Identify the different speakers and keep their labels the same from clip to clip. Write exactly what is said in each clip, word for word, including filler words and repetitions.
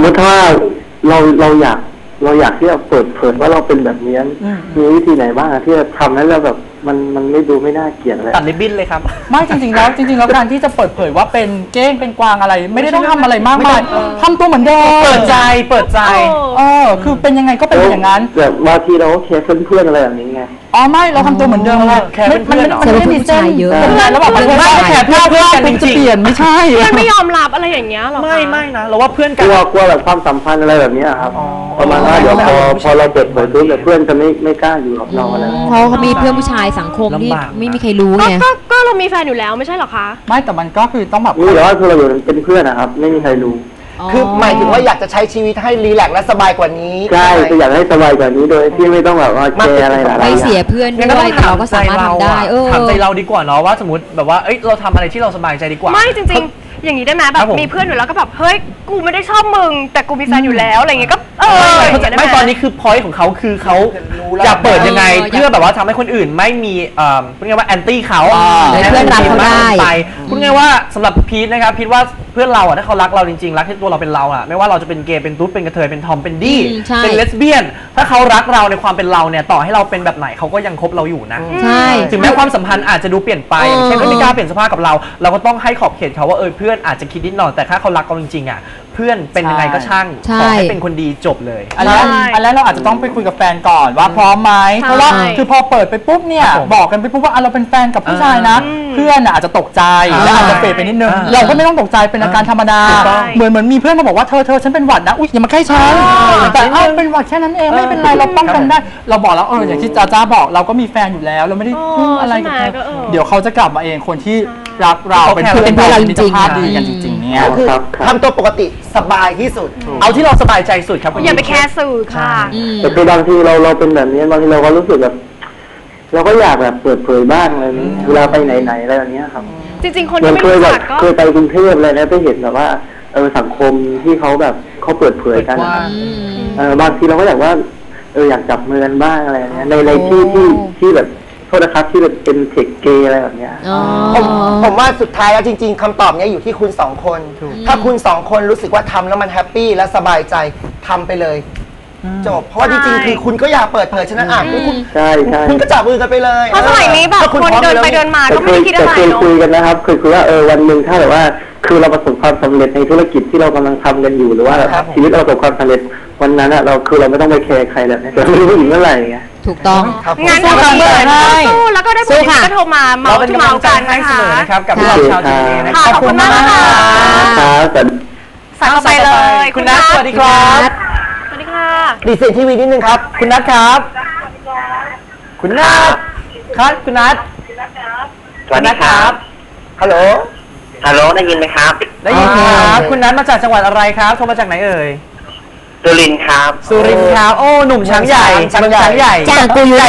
Speaker 1: มติว่าเราเราอยากเราอยากที่จะเปิดเผยว่าเราเป็นแบบนี้มีวิธีไหนบ้างที่จะทำให้เราแบบมันมันไม่ดูไม่น่าเกลียดเลย
Speaker 2: ตัดริบบิ้นเลยครับ
Speaker 3: ไม่จริงๆแล้วจริงๆแล้วการที่จะเปิดเผยว่าเป็นเก้งเป็นกวางอะไร ไม่ได้ต้องทำอะไรมากมายทำตัวเหมือนเดิม
Speaker 2: เปิดใจเปิดใจ
Speaker 3: เออคือเป็นยังไงก็เป็นอย่างนั้น
Speaker 1: แบบบางทีเราก็แค่เพื่อนๆอะไรแบบนี้ไง
Speaker 3: อ๋อไม่เราทำตัวเหมือนเดิมแค่เพื่อนๆมันไม่ได้มีเส้นเยอะแล้วแบบมันไม่แค่เพื่อนเพื่อนกันจริงๆเปลี่ยนไม่ใช่
Speaker 4: มันไม่ยอมรับอะไรอย่างเงี้ยหรอ
Speaker 2: ไม่ไม่นะเราว่าเพื่อนกัน
Speaker 1: กลัวกลัวแบบความสัมพันธ์อะไรแบบนี้ครับประมาณว่าเดี๋ยวพอพอเราเปิดเผยปุ๊บเพื่อนจะไม่ไม่กล้าอยู่กับเราอะไร
Speaker 5: เพราะเขามีเพื่อนผู้ชายสังคมที่ไม่มีใครรู้ไง
Speaker 4: ก็ก็เรามีแฟนอยู่แล้วไม่ใช่หรอคะ
Speaker 3: ไม่แต่มันก็คือต้องแบบ
Speaker 1: นี่แต่ว่าคือเราอยู่เป็นเพื่อนนะครับไม่มีใครรู้
Speaker 6: คือหมายถึงว่าอยากจะใช้ชีวิตให้รีแลกซ์และสบายกว่านี้
Speaker 1: ใช่ก็อยากให้สบายกว่านี้โดยที่ไม่ต้องแบบว่าแคร์อะไรหลายอย่าง
Speaker 5: ไม่เสียเพื่อนด้วยแต่เราก็สามารถทำได้เออ
Speaker 2: ถามใจเราดีกว่าเนาะว่าสมมติแบบว่าเอ้ยเราทำอะไรที่เราสบายใจดีกว่า
Speaker 4: ไม่จริงๆอย่างนี้ได้ไหมแบบมีเพื่อนอยู่แล้วก็แบบเฮ้ยกูไม่ได้ชอบมึงแต่กูมีแฟนอยู่แล้วอะไรเงี้ยก็เออ
Speaker 2: ไม่ตอนนี้คือพอยต์ของเขาคือเขาอยากเปิดยังไงเพื่อแบบว่าทำให้คนอื่นไม่มีเอ่อพูดง่ายว่าแอนตี้เขา
Speaker 5: เพื่อนรักเขาได้
Speaker 2: พูดง่ายว่าสำหรับพีทนะครับพีทว่าเพื่อนเราอ่ะถ้าเขารักเราจริงๆรักที่ตัวเราเป็นเราอ่ะไม่ว่าเราจะเป็นเกย์เป็นตุ๊ดเป็นกระเทยเป็นทอมเป็นดี้เป็นเลสเบี้ยนถ้าเขารักเราในความเป็นเราเนี่ยต่อให้เราเป็นแบบไหนเขาก็ยังคบเราอยู่นะถึงแม้ความสัมพันธ์อาจจะดูเปลี่ยนไปอย่างเช่นไม่กล้าเปลี่ยนสภาพกับเราเราก็ต้องให้ขอบเขตเขาว่าเออเพื่อนอาจจะคิดนิดหน่อยแต่ถ้าเขารักเราจริงๆอ่ะเพื่อนเป็นยังไงก็ช่างขอให้เป็นคนดีจบเลย
Speaker 3: อันแรกอันแรกเราอาจจะต้องไปคุยกับแฟนก่อนว่าพร้อมไหมเพราะว่าคือพอเปิดไปปุ๊บเนี่ยบอกกันไปปุ๊บว่าเราเป็นแฟนกับผู้ชายนะเพื่อนอาจจะตกใจและอาจจะเฟดไปนิดนึงเราก็ไม่ต้องตกใจเป็นอาการธรรมดาเหมือนเหมือนมีเพื่อนมาบอกว่าเธอเธอฉันเป็นหวัดนะอุ๊ยอย่ามาใกล้ฉันแต่เออเป็นหวัดแค่นั้นเองไม่เป็นไรเราป้องกันได้เราบอกแล้วเอออย่างที่จ้าจ้าบอกเราก็มีแฟนอยู่แล้วเราไม่ได้พึ่งอะไรกับเธอเดี๋ยวเขาจะกลับมาเองคนที่รักเราเป็นเพื่อนเราจริงๆดีกันจริงๆเนี่ย
Speaker 6: คือทำตัวปกติสบายที่สุด
Speaker 2: เอาที่เราสบายใจสุดครับ
Speaker 4: อย่าไปแคร์สื่อค่ะ
Speaker 1: แต่คือบางทีเราเราเป็นแบบนี้บางทีเราก็รู้สึกแบบเราก็อยากแบบเปิดเผยบ้างอะไรนี้เวลาไปไหนๆอะไรอย่างเงี้ยครับ
Speaker 4: จริงๆคนที่ไม่รู้จักก็
Speaker 1: เคยไปกรุงเทพเลยนะไปเห็นแบบว่าเออสังคมที่เขาแบบเขาเปิดเผยกันเออบางทีเราก็อยากว่าเอออยากจับมือกันบ้างอะไรเงี้ยในในที่ที่ที่แบบโทษนะครับที่แบบเป็นเทคเกย์อะไรแบบเนี้ย
Speaker 6: ผมผมว่าสุดท้ายแล้วจริงๆคำตอบเนี้ยอยู่ที่คุณสองคนถ้าคุณสองคนรู้สึกว่าทำแล้วมันแฮปปี้และสบายใจทำไปเลยจบเพราะว่าจริงๆคือคุณก็อยากเปิดเผยฉะนั้นอ่ะคุณ
Speaker 1: ใช่ใช่
Speaker 6: คุณก็จับมือกันไปเลย
Speaker 4: เพราะสมัยนี้แบบคนเดินไปเดินมาก็ไม่ได้คิดอะไร
Speaker 1: เนาะเคยคุยกันนะครับเคยคุยว่าเออวันหนึ่งถ้าแบบว่าคือเราประสบความสำเร็จในธุรกิจที่เรากำลังทำกันอยู่หรือว่าชีวิตเราประสบความสำเร็จวันนั้นอะเราคือเราไม่ต้องไปแคร์ใครแล้วแต่ไม่รู้ผู้หญิงเมื่อไหร่ไง
Speaker 5: ถูกต้อง
Speaker 4: งั้นเราเหมือนสู้แล้วก็ได้ผู้หญิงก็โทรมาเมาที่เมากันนะคะ
Speaker 2: กับเราชาวจีน
Speaker 4: ขอบคุณมากค่ะ
Speaker 1: ครับ
Speaker 4: สายไปเลย
Speaker 2: คุณนัทสวัสดีครับ
Speaker 4: สวัสดีค่ะ
Speaker 6: ดีเซนทีวีนิดนึงครับ
Speaker 2: คุณนัทครับคุณนัทครับคุณนัท
Speaker 1: สวัสดีครับ
Speaker 6: ฮัลโหล
Speaker 1: ฮัลโหลได้ยินไหมครับ
Speaker 2: ได้ยินครับคุณนัทมาจากจังหวัดอะไรครับโทรมาจากไหนเอ่ย
Speaker 1: สุรินทร์ครับ
Speaker 2: สุรินทร์ครับโอ้หนุ่มช้างใหญ่ช้างใหญ่
Speaker 5: จ้างกูอยู่ไหน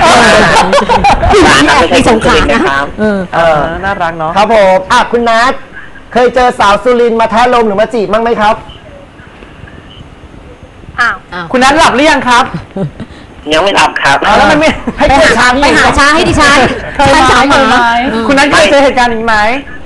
Speaker 5: ในสงขลานะครับ
Speaker 2: เออน่ารักเนาะ
Speaker 6: ครับผมอ่ะคุณนัทเคยเจอสาวสุรินทร์มาแท้ลมหรือมาจีบบ้างไหมครับ
Speaker 4: อ้าว
Speaker 2: คุณนัทหลับหรือยังครับ
Speaker 1: ยังไม่หลับครับ
Speaker 2: แล้วมันไม่
Speaker 5: ให้ไปหาไปหาช้าให้ดิฉัน
Speaker 2: ท่านสาวเหมือนไหมคุณนัทเคยเจอเหตุการณ์นี้ไหม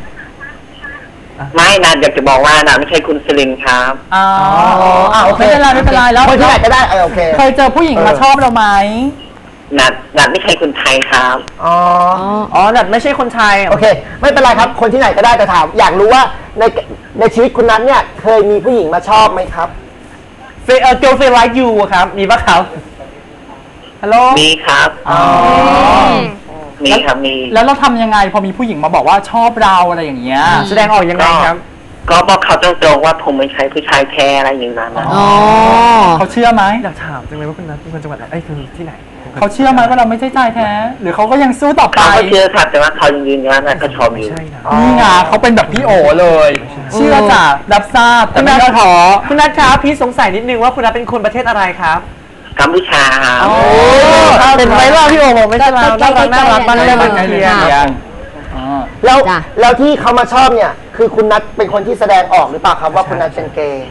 Speaker 1: ไม่นะอยากจะบอกว่านะไม่ใช่คุณสลินครับ
Speaker 3: อ๋อโอเคไม่เป็นไรไม่เป็นไรแล้ว
Speaker 6: คนที่ไหนก็ได้เออโอเค
Speaker 3: เคยเจอผู้หญิงมาชอบเราไหม
Speaker 1: นัดนัดไม่ใช่คนไทยครับ
Speaker 6: อ๋อ
Speaker 2: อ๋อนัดไม่ใช่คนไทย
Speaker 6: โอเคไม่เป็นไรครับคนที่ไหนก็ได้แต่ถามอยากรู้ว่าในในชีวิตคุณนัทเนี่ยเคยมีผู้หญิงมาชอบไหมครับ
Speaker 2: เฟย์เออ girlfriend like you ครับมีปะครับฮัลโหล
Speaker 1: มีครับอ๋อมีครับมี
Speaker 3: แล้วเราทำยังไงพอมีผู้หญิงมาบอกว่าชอบเราอะไรอย่างเงี้ยแสดงออกยังไงครับ
Speaker 1: ก็บอกเขาตรงๆว่าผมไม่ใช่ผู้ชายแท้อะไรอย่างนั้นนะ
Speaker 3: อ๋อเขาเชื่อไหม
Speaker 2: อยากถามจังเลยว่าคุณนัทเป็นคนจังหวัดไหนไอ้คือที่ไหน
Speaker 3: เขาเชื่อไหมว่าเราไม่ใช่ชายแท้หรือเขาก็ยังสู้ต่อไป
Speaker 1: เขาเชื่อครับแต่ว่าเขายังยืนยันว่าเขาชอบอยู่
Speaker 3: นี่ไงเขาเป็นแบบพี่โอเลยเชื่อจ้ะรับทราบแต่ไม่ขอ
Speaker 2: คุณนัทครับพี่สงสัยนิดนึงว่าคุณนัทเป็นคนประเทศอะไรครับ
Speaker 1: กัมพูชา
Speaker 2: โอ้เป็นไว้ล่ะพี่โอบอกไม่ใช่เราน่ารักน่ารักบ้านเรื่องมันเรียน
Speaker 6: แล้วแล้วที่เขามาชอบเนี่ยคือคุณนัทเป็นคนที่แสดงออกหรือเปล่าครับว่าคุณนัทเป็นเกย์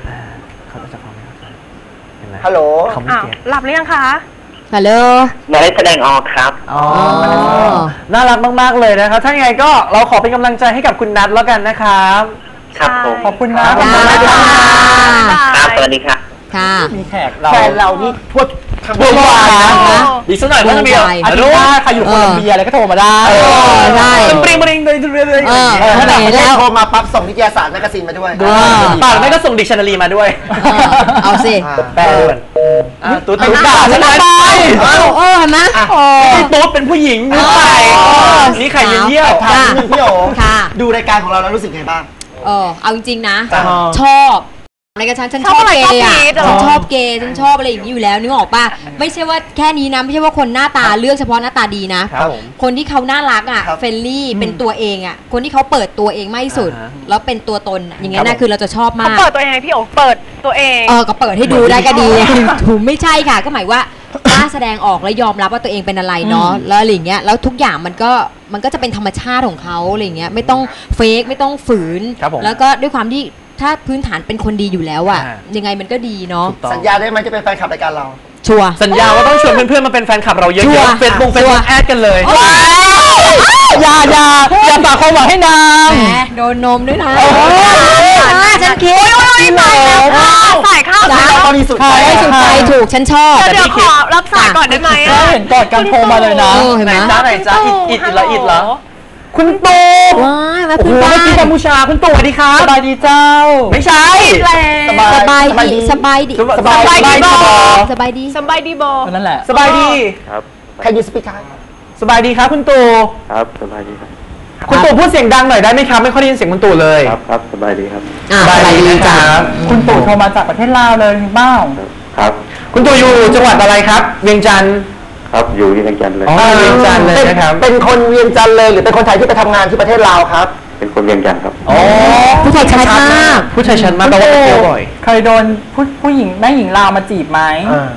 Speaker 6: ฮัลโหล
Speaker 4: อ้าวหลับหรือยังคะ
Speaker 5: ฮัลโหล
Speaker 1: ไม่ได้แสดงออกครับ
Speaker 2: อ๋อน่ารักมากๆเลยนะครับถ้าไงก็เราขอเป็นกำลังใจให้กับคุณนัทแล้วกันนะครับ
Speaker 1: ครับผม
Speaker 3: ขอบคุณนะ
Speaker 1: ครับสวัสดีค่ะ
Speaker 5: ค่ะ
Speaker 3: มีแขกเรา
Speaker 6: แฟนเรานี่ทั่วทั้ง
Speaker 2: เบอร์วายนะ
Speaker 5: นะ
Speaker 2: อีกสักหน่อยก็จะมี
Speaker 5: เบอร์วาย
Speaker 3: อาทิตย์หน้าใครอยู่โคลัมเบียอะไรก็โทรมาได้
Speaker 5: เออใช่
Speaker 2: ปริงปริงเลยเลยเลย
Speaker 5: เออ
Speaker 6: เออ
Speaker 5: เท่าไหร่
Speaker 6: แล้
Speaker 5: แล้ว ว
Speaker 6: โทรมาปั๊บส่งนิตยสารแมกกาซีนมาด้วย
Speaker 5: ด้วย
Speaker 2: ปากไม่ก็ส่งดิกชันนารีมาด้วย
Speaker 5: เออเอาสิ
Speaker 6: อ่า
Speaker 2: แปลด่วนอ่ะตุ๊ดตุ๊ด
Speaker 5: ด่า
Speaker 2: ด่า
Speaker 5: ฉั
Speaker 2: ฉั
Speaker 5: น
Speaker 2: น
Speaker 5: ทำ
Speaker 2: ไป
Speaker 5: ไมเออเห็นไหมโอ้
Speaker 2: นี่ตุ๊ดเป็นผู้หญิงนุ้ไปนี่ใครเยี่ยเยี่ยว
Speaker 6: ถามนิดนึงพี่โอ
Speaker 5: ค่ะ
Speaker 6: ดูรายการของเราแล้วรู้สึกไงบ้าง
Speaker 5: เออเอาจริงๆนะ
Speaker 6: จ้ะ
Speaker 5: ชอบอะไรกันฉันฉันชอบเกย์อ่ะฉันชอบเกย์ฉันชอบอะไรอย่างนี้อยู่แล้วนึกออกป่ะไม่ใช่ว่าแค่นี้นะไม่ใช่ว่าคนหน้าตาเลือกเฉพาะหน้าตาดีนะครับ
Speaker 2: ผม
Speaker 5: คนที่เขาน่ารักอ่ะ
Speaker 6: ครับ
Speaker 5: เฟรนลี่เป็นตัวเองอ่ะคนที่เขาเปิดตัวเองมากที่สุด
Speaker 2: อ่าฮะ
Speaker 5: แล้วเป็นตัวตนอะอย่างเงี้ย
Speaker 2: ครั
Speaker 5: นะ
Speaker 2: บผม
Speaker 5: คือเราจะชอบ
Speaker 4: เขา
Speaker 5: มาก
Speaker 4: เปิดตัวเองไงพี่โอเปิดตัวเอง
Speaker 5: เออก็เปิดให้ดูได้ก็ดี ถูกไม่ใช่ค่ะ ก็หมายว่ากล้าแสดงออกและยอมรับว่าตัวเองเป็นอะไรเนาะแล้วอะไรอย่างเงี้ยแล้วทุกอย่างมันก็มันก็จะเป็นธรรมชาติของเขาอะไรอย่างเงี้ยไม่ต้องเฟกไม่ต้องฝืน
Speaker 2: ครับผม
Speaker 5: แล้วก็ด้วยความที่ถ้าพื้นฐานเป็นคนดีอยู่แล้วอ่ะ
Speaker 2: อ่า
Speaker 5: ยังไงมันก็ดีเนาะ
Speaker 2: ถูกต้อง
Speaker 6: สัญญาได้ไหมจะเป็นแฟนคลับรายการเรา
Speaker 5: ชัวร์
Speaker 2: สัญญาว่าต้องชวนเพื่อนๆมาเป็นแฟนคลับเราเย
Speaker 5: ชัวร์
Speaker 2: อะๆเฟซบุ๊กเฟซ
Speaker 5: ชัว
Speaker 2: บุ๊
Speaker 5: ร์
Speaker 2: กแอดกันเลย
Speaker 3: อย่าอย่าอย่าฝากความหวังให้นาง
Speaker 5: แหมโดนนมด้วยนะ
Speaker 3: โอ้ย
Speaker 5: อ่าฉันคิด
Speaker 3: ที่เหลว
Speaker 4: สายเข้า
Speaker 5: จ้ะ
Speaker 6: ตอนนี้สุด
Speaker 3: ใช่
Speaker 5: ไม่สุดใจถูกฉันชอบ
Speaker 4: เดี๋ยวเดี๋ยวขอรับสายก่อนได้ไหม
Speaker 3: ก็
Speaker 4: อะ
Speaker 3: เห็นกอดกันโทรมาเลยนะ
Speaker 5: เออเห็น
Speaker 2: ไห
Speaker 5: ไห
Speaker 2: น
Speaker 5: ม
Speaker 2: จ้าไหนจ้าอิดอิดอิดละอิดละคุณตู่
Speaker 5: ว้ายมา
Speaker 2: โอ้
Speaker 5: พู
Speaker 2: โห
Speaker 5: ดบ้า
Speaker 2: เมื่อกี้กัม
Speaker 5: น
Speaker 2: พูชาคุณตู่สวัสดีครับ
Speaker 3: สบายดีเจ้า
Speaker 2: ไม่ใช่
Speaker 6: สบาย
Speaker 5: สบายดีสบายดี
Speaker 2: สบายสบายดีบอ
Speaker 5: สบายดี
Speaker 4: สบายดีโบ
Speaker 3: นั่นแหละ
Speaker 2: สบายดี
Speaker 1: ครับ
Speaker 6: ใครยูสปีกครับ
Speaker 2: สบายดีครับคุณตู่
Speaker 1: ครับสบายดีครับ
Speaker 2: คุณตู่พูดเสียงดังหน่อยได้ไหมครับไม่ค่อยได้ยินเสียงคุณตู่เลย
Speaker 1: ครับครับสบายดีครับ
Speaker 5: อ่าสบายดีจ้ะ
Speaker 2: ครับ
Speaker 3: คุณตู่โทรมาจากประเทศลาวเลยมีเป้า
Speaker 1: ครับ
Speaker 2: คุณตู่อยู่จังหวัดอะไรครับ เวียงจันทร์
Speaker 1: ครับอยู่ที่เวียงจันทร์เลย
Speaker 2: อ๋อเวียงจันทร์เลยนะครับ
Speaker 6: เป็นคนเวียงจันทร์เลยหรือเป็นคนไทยที่ไปทำงานที่ประเทศลาวครับ
Speaker 1: เป็นคนเวียงจันทร์ครับ
Speaker 2: อ๋อ
Speaker 5: ผู้ชายชัดมาก
Speaker 2: ผู้ชายชั้นมากแปลว่าไปเที่ยวบ่อย
Speaker 3: เคยโดนผู้ผู้หญิงแม่หญิงลาวมาจีบไหม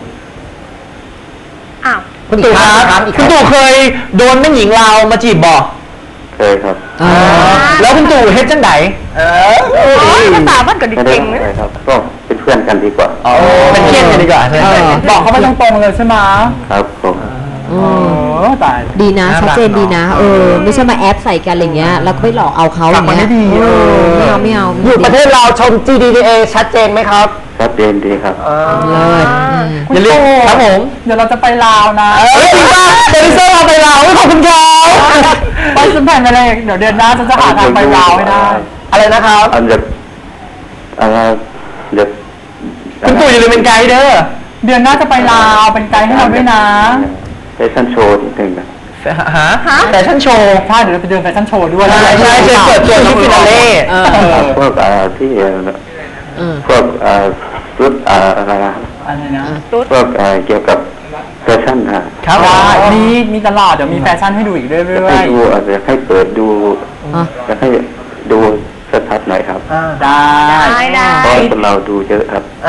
Speaker 4: อ้าว
Speaker 2: คุณตู่ครับ
Speaker 6: อีกครั้งอีกครั้ง
Speaker 2: คุณตู่เคยโดนแม่หญิงลาวมาจีบบ่
Speaker 1: เคยครับ
Speaker 2: แล้วคุณตู่เฮ็ดจังได
Speaker 6: เออ
Speaker 4: ภาษาบ้านก็ดี
Speaker 1: ไม่ได้
Speaker 4: เก่ง
Speaker 1: ทำ
Speaker 4: นะ
Speaker 1: อะไรครับ ก็เป็นเพื่อนกันดีกว่า
Speaker 2: อ๋อเป็นเพื่อนกันดีกว่าใช่ไหม
Speaker 5: เออ
Speaker 3: บอกเขาไปตรงๆเลยใช่ไหม
Speaker 1: ครับผม
Speaker 5: อื
Speaker 3: โอ้
Speaker 5: ม
Speaker 3: ตาย
Speaker 5: ดีนะ
Speaker 2: น่ารัก
Speaker 5: ชัดเจนดีนะ เออ ไม่ใช่มาแอปใส่กันอะไรเงี้ยแล้วก็ไปหลอกเอาเขาอย่างเงี้ย
Speaker 3: กลับมาไม่ดี
Speaker 5: เออไม่เอาไม่เอา
Speaker 6: อยู่ประเทศลาวชม จี ดี เอ ชัดเจนไหมครับ
Speaker 1: ชัดเจนดีครับ
Speaker 5: เลิศอืม
Speaker 3: คุณ
Speaker 2: อย่าลืม
Speaker 3: ตู่
Speaker 2: ครับผม
Speaker 3: เดี๋ยวเราจะไปลาวนะ
Speaker 2: เฮ้ยจริงป่ะโปรดิวเซอร์เราไปลาวขอบคุณครับ
Speaker 3: ไปสมแผ่นไปเลยเดี๋ยวเดือนหน้าจะจะหาทางไปลาวให้ได้
Speaker 6: อะไรนะครับ
Speaker 1: อันจะอะไรจะ
Speaker 2: คุณตู่อย่าลืมเป็นไกด์เด้อ
Speaker 3: เดือนหน้าจะไปลาวเป็นไกด์ให้เราด้วยนะ
Speaker 1: แฟชั่นโชว์นิดนึงนะ
Speaker 2: ฮะแฟชั่นโชว์
Speaker 3: ใช่เดี๋ยวเราไปเดินแฟชั่นโชว์ด้วย
Speaker 2: ใช่ใช่เชิญเปิดตัวที่ฟินาเล่
Speaker 5: เออ
Speaker 1: พวกอ่าที่เอ่อ
Speaker 5: เออ
Speaker 1: พวกอ่าชุดอ่าอะไรนะ
Speaker 3: อะไรนะ
Speaker 1: พวกอ่าเกี่ยวกับแฟชั่นนะ
Speaker 2: ครับ
Speaker 3: ได้มีมีตลอดเดี๋ยวมีแฟชั่นให้ดูอีกเรื่
Speaker 1: จะ
Speaker 3: อ
Speaker 1: ให้
Speaker 3: ย
Speaker 1: ดูอาจจะให้เปิดดู
Speaker 5: อ่ะ
Speaker 1: จะให้ดูชัดๆหน่อยครับ
Speaker 3: ๆได้
Speaker 4: ได้ได้
Speaker 1: เพราะคนเราดูเยอะครับ
Speaker 6: เอา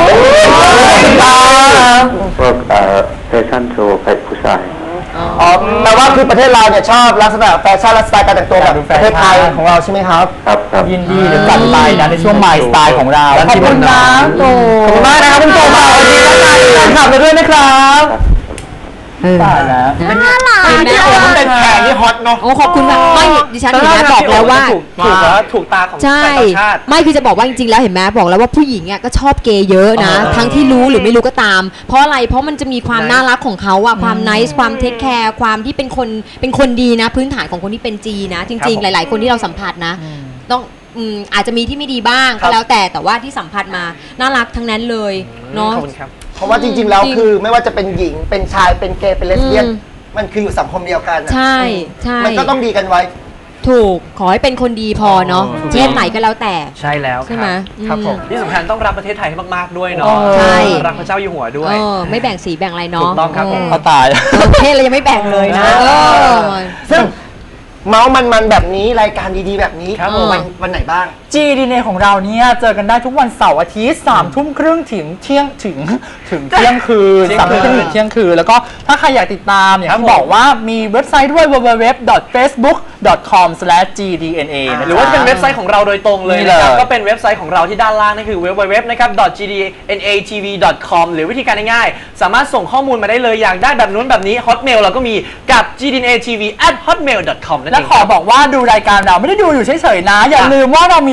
Speaker 1: พวกอ่าแฟชั่นโชว์ใครผู้ชาย
Speaker 6: อ๋อแปลว่าคือประเทศลาวเนี่ยชอบลักษณะแฟชั่นและสไตล์การแต่งตัวแบบประเทศไทยของเราใช่ไหมครับ
Speaker 1: ครับครับ
Speaker 3: ยินดีเดี๋ยวจัดไปนะในช่วง My Style ของเรา
Speaker 2: ขอบคุณนะ
Speaker 3: โต
Speaker 2: ขอบคุณมากนะครับคุณตู่มาวันนี้แล้วกันแฟนคลับเราด้วยนะครับ
Speaker 5: เออ
Speaker 3: ตายแล้ว
Speaker 5: น่ารัก
Speaker 6: พี่โอมันเป็นแขกที่ฮอตเนาะ
Speaker 5: โอ้ขอบคุณมากไม่ดิฉันเห็นไหมบอกแล้วว่า
Speaker 2: ถูกถูกแล้วถูกตาของ
Speaker 5: ใช่
Speaker 2: ต่างชาติ
Speaker 5: ไม่คือจะบอกว่าจริงๆแล้วเห็นไหมบอกแล้วว่าผู้หญิงอ่ะก็ชอบเกย์เยอะนะ
Speaker 2: เออ
Speaker 5: ทั้งที่รู้หรือไม่รู้ก็ตาม เพราะอะไรเพราะมันจะมีความ
Speaker 2: Nice
Speaker 5: น่ารักของเขาอะความไนส์ความเทคแคร์ความที่เป็นคนเป็นคนดีนะ พื้นฐานของคนที่เป็นจีนะ จ
Speaker 2: ครั
Speaker 5: ริง
Speaker 2: บ
Speaker 5: ๆ
Speaker 2: ผม
Speaker 5: หลาย ๆ คนที่เราสัมผัสนะ ต้องอืมอาจจะมีที่ไม่ดีบ้างก็แล้วแต่แต่ว่าที่สัมผัสมาน่ารักทั้งนั้นเลยเนาะ
Speaker 2: ขอบคุณครับ
Speaker 6: เพราะว่าจริงๆแล้ว
Speaker 5: จริง
Speaker 6: คือไม่ว่าจะเป็นหญิงเป็นชายเป็นเกย์เป็นเลสเบี้ยน
Speaker 5: อืม
Speaker 6: มันคืออยู่สังคมเดียวกันอะ
Speaker 5: ใช่ใช่
Speaker 6: มันก็ต้องดีกันไว้
Speaker 5: ถูกขอให้เป็นคนดีพอเนาะเพศไหนก็แล้วแต่
Speaker 2: ใช่แล้ว
Speaker 5: ใช่ไหม
Speaker 2: ครับผม
Speaker 5: อืม
Speaker 2: ที่สำคัญต้องรักประเทศไทยให้มากๆด้วยเนาะ
Speaker 5: ใช่
Speaker 2: รักพระเจ้าอยู่หัวด้วย
Speaker 5: เออไม่แบ่งสีแบ่งอะไรเนาะ
Speaker 2: ถูกต้องครับผม
Speaker 3: เขาตาย
Speaker 5: เออเพศเรายังไม่แบ่งเลยนะเออ
Speaker 6: ซึ่งเมาส์มันๆแบบนี้รายการดีๆแบบนี้
Speaker 2: ครับผม
Speaker 6: วันวันไหนบ้าง
Speaker 3: จีดีเนของเราเนี่ยเจอกันได้ทุกวันเสาร์อาทิตย์สามทุ่มครึ่งถึงเที่ยงถึงถึงเที่ยงคืน
Speaker 2: เที่ยง
Speaker 3: สามทุ่มครึ่ง
Speaker 2: คืน
Speaker 3: ถึงเที่ยงคืนแล้วก็ถ้าใครอยากติดตามอย่าง
Speaker 2: ครับ
Speaker 3: ที่บอกว่ามีเว็บไซต์ด้วย ดับเบิลยู ดับเบิลยู ดับเบิลยู ดอท เฟซบุ๊ก ดอท คอม สแลช จี ดี เอ็น เอ นะ
Speaker 2: หรือว่าจะเป็นเว็บไซต์ของเราโดยตรงเลย
Speaker 3: นี่
Speaker 2: นะครับ
Speaker 3: เลย
Speaker 2: ก็เป็นเว็บไซต์ของเราที่ด้านล่างนั่นคือ ดับเบิลยู ดับเบิลยู ดับเบิลยู นะครับ จี ดี เอ็น เอ ที วี ดอท คอม หรือวิธีการง่ายๆ สามารถส่งข้อมูลมาได้เลยอยากได้แบบนู้นแบบนี้ Hotmail เราก็มีกับ จี ดี เอ็น เอ ที วี แอท ฮอตเมล ดอท คอม นั่น
Speaker 3: และ
Speaker 2: เอง
Speaker 3: ขอบอกว่าดูรายการเราไม่ได้ดูอยู่เฉยๆนะ อย่าลืมว่าเรามี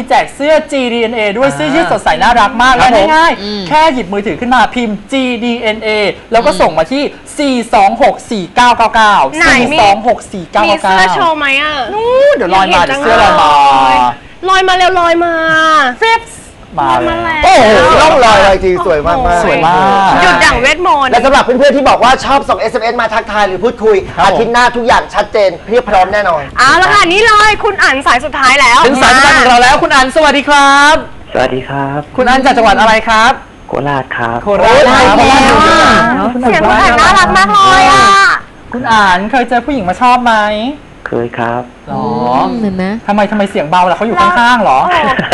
Speaker 3: แจกเสื้อ จี ดี เอ็น เอ ด้วยเสื้อยืดสดใสน่ารักมากและง่ายๆแค่หยิบมือถือขึ้นมาพิมพ์ จี ดี เอ็น เอ แล้วก็ส่งมาที่สี่สองหกสี่เก้าเก้าเก้า สี่สองหกสี่เก้า
Speaker 4: มี
Speaker 3: เก้า
Speaker 4: เสื้อโชว์ไหมอ่ะ
Speaker 3: นู้เดี๋ยวลอยมาเดี๋ยวเสื้อลอยมา
Speaker 4: ลอยมาเร็วลอยมาฟิป
Speaker 3: มา
Speaker 4: มาแล้ว
Speaker 6: โอ้โหร่องรอยเลยจริงสวยมากๆ
Speaker 3: สวยมาก
Speaker 4: หยุดอย่างเวทมนต์
Speaker 6: และสำหรับเพื่อนๆที่บอกว่าชอบส่ง เอส เอ็ม เอส มาทักทายหรือพูดคุย
Speaker 3: ครับผม
Speaker 6: อาทิตย์หน้าทุกอย่างชัดเจนเพียบพร้อมแน่นอน
Speaker 4: เอาละค่ะนี่เลยคุณอ่านสายสุดท้ายแล้ว
Speaker 2: ถึงสายสำคัญของเราแล้วคุณอันสวัสดีครับ
Speaker 1: สวัสดีครับ
Speaker 2: คุณอันจากจังหวัดอะไรครับ
Speaker 1: โคราชครับ
Speaker 2: โคราช
Speaker 5: โอ้ย
Speaker 2: ครับ
Speaker 5: แล้วอ่ะ
Speaker 4: เสียงคุณอ่านน่ารักมากเลยอ่ะ
Speaker 3: คุณอ่านเคยเจอผู้หญิงมาชอบไหม
Speaker 1: เคยครับ
Speaker 3: หรอ
Speaker 5: เห็นไหม
Speaker 3: ทำไมทำไมเสียงเบาล่ะเขาอยู่ข้างๆหรอ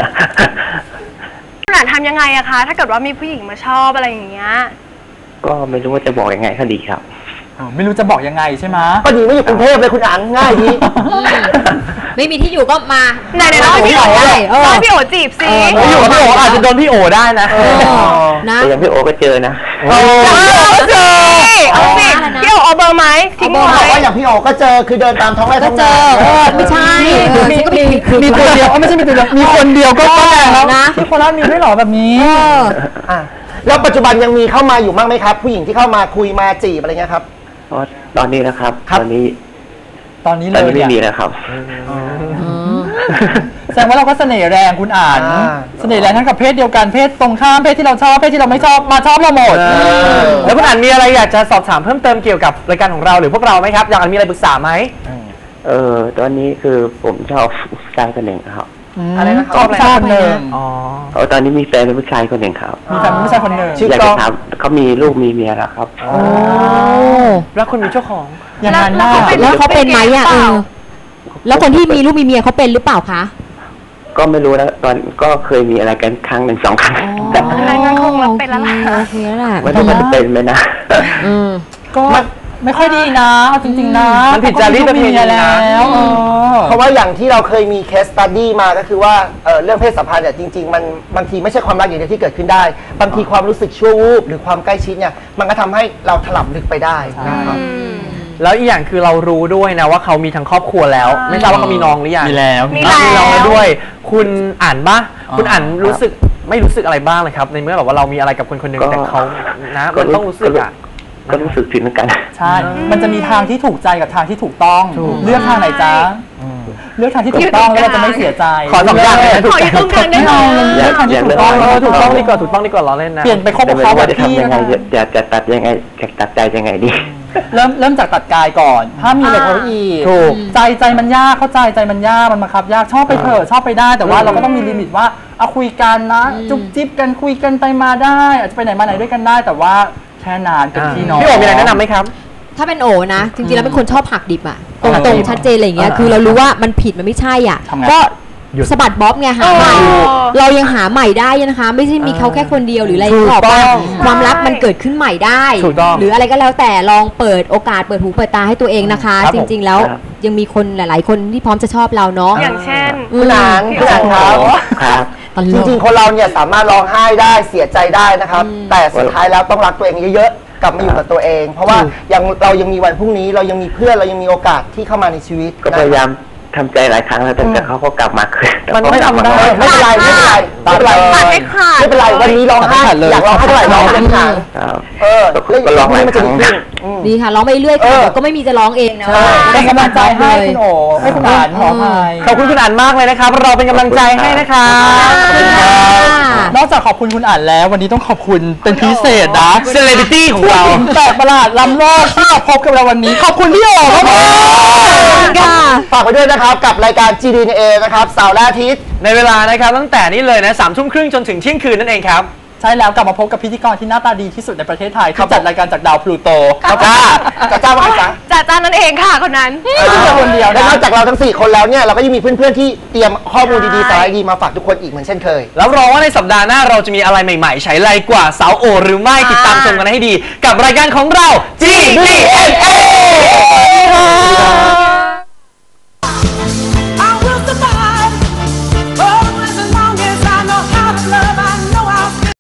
Speaker 4: คุณอ่านทำยังไงอะคะ ถ้าเกิดว่ามีผู้หญิงมาชอบอะไรอย่างเงี้ย
Speaker 1: ก็ไม่รู้ว่าจะบอกยังไงก็ดีครับ
Speaker 3: ไม่รู้จะบอกยังไงใช่ไหม
Speaker 6: ก็ดีไม่อยู่กรุงเทพเลยคุณอ่านง่ายดี
Speaker 5: ไม่มีที่อยู่ก็มา
Speaker 4: ไหนไหนๆเล่าให้พี่โอ๋
Speaker 5: ได้เออ
Speaker 4: เล่าให้พี่โอ๋จีบสิ
Speaker 2: ไม่อยู่กับพี่โออาจจะโดนพี่โอได้นะ
Speaker 5: เออนะ
Speaker 1: แต่ยังพี่โอก็เจอนะ
Speaker 2: โอ้
Speaker 4: เอาสิเอาสิ
Speaker 5: อะไรนะ
Speaker 4: พี่โอ๋เอาเบอร์ไหมทิ้ง
Speaker 6: บอก
Speaker 4: ไว้
Speaker 6: ว่าอย่างพี่โอก็เจอคือเดินตามท้องไร่
Speaker 5: ก็
Speaker 6: ท้อง
Speaker 5: เจ
Speaker 6: นา
Speaker 5: อเออไม่ใช่เออฉันก็มีคือ
Speaker 3: มีตัวเดียวเอ้าไม่ใช่มีตัวเดียวมีคนเดียวก็ก็แรงแล้ว
Speaker 5: นะ
Speaker 3: ที่โคราชมีด้วยเหรอแบบนี้
Speaker 5: เออ
Speaker 6: อ่ะแล้วปัจจุบันยังมีเข้ามาอยู่บ้างไหมครับ ผู้หญิงที่เข้ามาคุยมาจีบอะไรเงี้ยครับ
Speaker 1: เพราะตอนนี้นะครับ
Speaker 6: ครับ
Speaker 1: ตอนนี้
Speaker 3: ตอนนี้
Speaker 1: ต
Speaker 3: เล
Speaker 1: อน
Speaker 3: ย
Speaker 1: นี้ไม่มี
Speaker 3: เนี่ย
Speaker 1: แล้วครับ
Speaker 3: แสดงว่าเราก็เสน่ห์แรงคุณอ่าน
Speaker 6: อ่า
Speaker 3: เสน่ห์แรงทั้งกับเพศเดียวกันเพศตรงข้ามเพศที่เราชอบเพศที่เราไม่ชอบมาชอบเราหมด
Speaker 2: แล้วคุณอันมีอะไรอยากจะสอบถามเพิ่มเติมเกี่ยวกับรายการของเราหรือพวกเราไหมครับ อยากมีอะไรปรึกษาไหม
Speaker 1: เออตอนนี้คือผมชอบผู้ชายคนหนึ่งครับ
Speaker 2: อะไรนะครับ
Speaker 3: ชอบชาติหนึ่ง
Speaker 2: อ๋อ
Speaker 1: เอาตอนนี้มีแฟนเป็นผู้ชายคนหนึ่งครับ
Speaker 3: มีแฟนเป็นผู้ชายคนหนึ่ง
Speaker 6: ชื่อ
Speaker 1: อยาก
Speaker 6: กล้
Speaker 1: จะ
Speaker 6: อง
Speaker 1: ถามเขามีลูกมีเมียแล้วครับ
Speaker 3: โอ้
Speaker 2: แล้วคุณมีเจ้าของ
Speaker 3: อย่างนั้นน่า
Speaker 5: แล้วเขาเป็นไหมอ่ะเออแล้วคนที่มีลูกมีเมียเขาเป็นหรือเปล่าคะ
Speaker 1: ก็ไม่รู้นะตอนก็เคยมีอะไรกันครั้งหนึ่งสองครั้งแต่
Speaker 4: อะไรงั้นคงรับเป็นแล้วล่ะ
Speaker 5: โอเคแล้วล่ะ
Speaker 1: ไม่รู้มันจะเป็นไหมนะ
Speaker 5: อืม
Speaker 3: ก็ไม่ค่อยดีนะเอาจริงๆนะ
Speaker 2: มันผิดจารีตประเพณีนะ
Speaker 3: แล้วเออ
Speaker 6: เพราะว่าอย่างที่เราเคยมีเคสตัดดี้มาก็คือว่าเอ่อเรื่องเพศสัมพันธ์เนี่ยจริงๆมันบางทีไม่ใช่ความรักอย่างเดียวที่เกิดขึ้นได้ บางทีความรู้สึกชั่ววูบหรือความใกล้ชิดเนี่ยมันก็ทำให้เราถลำลึกไปได้นะครับ
Speaker 2: แล้วอีกอย่างคือเรารู้ด้วยนะว่าเขามีทั้งครอบครัวแล้ว ไม่ทราบว่าเขามีน้องหรือยัง
Speaker 3: มีแล้ว
Speaker 4: มี
Speaker 2: อ่ะมีน้อง
Speaker 4: แล้
Speaker 2: แล้ว
Speaker 4: ว
Speaker 2: ด้วย คุณอ่านปะ
Speaker 3: อ๋อ
Speaker 2: คุณอ่านรู้สึกไม่รู้สึกอะไรบ้างเลยครับ ในเมื่อแบบว่าเรามีอะไรกับคนคนหนึ่ง
Speaker 1: ก็
Speaker 2: แต่เขานะมันต้องรู้สึกอ่ะ
Speaker 1: ก็รู้สึกผิดเหมือนกัน
Speaker 3: ใช่ มันจะมีทางที่ถูกใจกับทางที่ถูกต้อง เลือกทางไหนจ๊ะเลือกทางที่ถูกต้องแล้วเราจะไม่เสียใจ
Speaker 2: ขอสองอย่างเลยนะ
Speaker 4: ขออยู่ตรงกลางได้ไหม
Speaker 3: เลือกทางที่ถูกต้อง
Speaker 2: เออถูกต้องดีกว่าถูกต้องดีกว่าล้อเล่นนะ
Speaker 3: เปลี่ยนไปคบ
Speaker 1: แต่
Speaker 3: กับ
Speaker 1: ไม่
Speaker 3: เขา
Speaker 1: รู้
Speaker 3: แบ
Speaker 1: ว่า
Speaker 3: บ
Speaker 1: จะ
Speaker 3: พี่
Speaker 1: ทำยังไงจะจะตัดยังไงจะตัดใจยังไงดี
Speaker 3: เริ่มเริ่มจากตัดกายก่อนถ้ามีเหล็กเขาอีก
Speaker 2: ถูก
Speaker 3: ใจใจมันยากเข้าใจใจมันยากมันบังคับยากชอบไปเถอะชอบไปได้แต่ว่าเราก็ต้องมีลิมิตว่าเอาคุยกันนะจุ๊บจิ๊บกันคุยกันไปมาได้ อาจจะไปไหนมาไหนด้วยกันได้ แต่ว่าแค่นานเป็นพี่น้อง
Speaker 2: พี่โอมีอะไรแนะนำไหมครับ
Speaker 5: ถ้าเป็นโอนะ จริงๆแล้วเป็นคนชอบหักดิบอ่ะต
Speaker 3: หักดิ
Speaker 5: รง
Speaker 3: บ
Speaker 5: ๆชัดเจนอะไรอย่างเงี้ยคือเรารู้ว่ามันผิดมันไม่ใช่อ่ะ
Speaker 3: ทำไง
Speaker 5: ก็
Speaker 2: หยุด
Speaker 5: สะบัดบ๊อบไงหาใหม่
Speaker 4: อ๋อ
Speaker 5: เรายังหาใหม่ได้นะคะ ไม่ใช่มีเขาแค่คนเดียวหรืออะไร
Speaker 2: ถูก
Speaker 5: หรอก
Speaker 2: ต้
Speaker 5: ว่า
Speaker 2: อง
Speaker 5: ความรักมันเกิดขึ้นใหม่ได้
Speaker 2: ถูกต้อง
Speaker 5: หรืออะไรก็แล้วแต่ลองเปิดโอกาสเปิดหูเปิดตาให้ตัวเองนะคะ
Speaker 2: ครับ
Speaker 5: จ
Speaker 2: ผม
Speaker 5: ริง ๆ แล้ว
Speaker 1: ครับ
Speaker 5: ยังมีคนหลายๆ คนที่พร้อมจะชอบเราเนาะ
Speaker 4: อย่างเช่น
Speaker 5: อืม
Speaker 6: คุณอ่านคุณอ่านครับ
Speaker 1: ครับ
Speaker 5: ตล
Speaker 6: จ
Speaker 5: ก
Speaker 6: ริงๆ คนเราเนี่ยสามารถร้องไห้ได้เสียใจได้นะครับ
Speaker 5: อืม
Speaker 6: แต่สุดท้ายแล้วต้องรักตัวเองเยอะๆ กลับมาอยู่กับตัวเอง เพราะว่ายังเรายังมีวันพรุ่งนี้เรายังมีเพื่อนเรายังมีโอกาสที่เข้ามาในชีวิต
Speaker 1: ก็
Speaker 6: นะ
Speaker 1: พยายามทำใจหลายครั้งแล้วแต่แต่เขาก็กลับมาคืน
Speaker 2: มันไม่ทำได้
Speaker 6: ไม่เป็นไรไม่เป็นไรไม่เป็นไร
Speaker 4: ตัดให้ขาด
Speaker 6: ไม่เป็นไรวันนี้ร้องไห้
Speaker 3: ตัดให้ขาดเลย
Speaker 6: อยากร้องไห้เท่าไหร่ร้องเลยค่ะ
Speaker 1: ครับ
Speaker 6: เออ
Speaker 1: ก็ลองหลาย
Speaker 6: มัน
Speaker 1: ค
Speaker 6: จะ
Speaker 1: รั้ง
Speaker 6: ดี
Speaker 1: นะ
Speaker 6: ขึ้นอืม
Speaker 5: ดีค่ะร้องไปเรื่อยๆ
Speaker 6: เอ
Speaker 5: ค่ะ
Speaker 6: อ
Speaker 5: เดี๋ยวก็ไม่มีจะร้องเองนะ
Speaker 6: ใช่
Speaker 3: เป็นกำลังใจให้คุณโอให้คุณอ่านขออภัย
Speaker 2: ขอบคุณคุณอ่านมากเลยนะครับ เราเป็นกำลังใจให้นะครับ
Speaker 5: ขอบคุณค่ะ
Speaker 3: นอกจากขอบคุณคุณอ่านแล้ว วันนี้ต้องขอบคุณเป็นพิเศษนะ
Speaker 2: เซเลบริตี้ของเรา
Speaker 3: ผู้หญิงแปลกประหลาดล้ำโลกที่มาพบกับเราวันนี้ ขอบคุณพี่โอครับผม
Speaker 5: ค่ะ
Speaker 6: ฝากไว้ด้วยนะครับกับรายการ จี ดี เอ็น เอ นะครับเสาร์และอาทิตย์
Speaker 2: ในเวลานะครับตั้งแต่นี้เลยนะสามทุ่มครึ่งจนถึงเที่ยงคืนนั่นเองครับ
Speaker 3: ใช่แล้วกลับมาพบกับพิธีกรที่หน้าตาดีที่สุดในประเทศไทย
Speaker 6: ครั
Speaker 3: ที่
Speaker 6: บ
Speaker 3: จัดรายการจากดาวพลูโต
Speaker 6: ครับจ้าจ้าจ้าว่าไงจ๊ะ
Speaker 4: จ่าจานนั่นเองค่ะคนนั้น
Speaker 3: ไม่ใช่คนเดียว
Speaker 6: และ
Speaker 3: นะ
Speaker 6: นอกจากเราทั้งสี่คนแล้วเนี่ยเราก็ยังมีเพื่อนๆที่เตรียมข้อมูลดีๆสาระดีๆมาฝากทุกคนอีกเหมือนเช่นเคย
Speaker 2: แล้วรอว่าในสัปดาห์หน้าเราจะมีอะไรใหม่ๆ ใช้ไรกว่าสาวโอหรือไม่ติดตามชมกันให้ดี กับรายการของเรา จี ดี เอ็น เอ